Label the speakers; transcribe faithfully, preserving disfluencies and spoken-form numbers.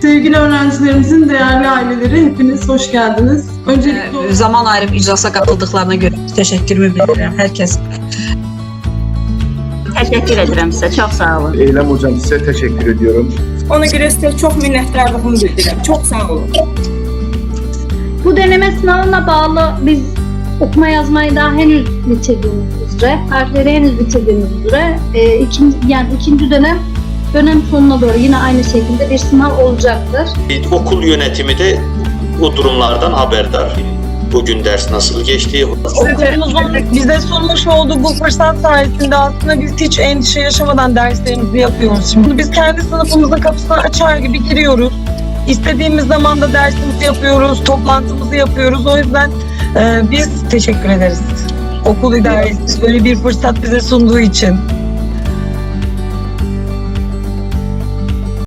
Speaker 1: Sevgili öğrencilerimizin değerli aileleri, hepiniz hoş geldiniz. Öncelikle
Speaker 2: Ee, zaman ayırıp iclasa katıldıklarına göre teşekkürümü bildirirəm herkes.
Speaker 3: Teşekkür ederim size. Çok sağ olun.
Speaker 4: Eylem hocam size teşekkür ediyorum.
Speaker 5: Ona göre size çok minnettarlığımı bildirirəm. Çok sağ olun.
Speaker 6: Bu deneme sınavına bağlı biz okuma yazmayı daha henüz bitirdiğimiz üzere, harfleri henüz bitirdiğimiz üzere e, ikinci, yani ikinci dönem dönem sonuna doğru yine aynı şekilde bir sınav olacaktır.
Speaker 7: Okul yönetimi de bu durumlardan haberdar. Bugün ders nasıl geçti?
Speaker 8: Okulumuzun bize sunmuş olduğu bu fırsat sayesinde aslında biz hiç endişe yaşamadan derslerimizi yapıyoruz. Şimdi biz kendi sınıfımızın kapısını açar gibi giriyoruz. İstediğimiz zaman da dersimizi yapıyoruz, toplantımızı yapıyoruz. O yüzden e, biz teşekkür ederiz. Okul idaresi böyle bir fırsat bize sunduğu için.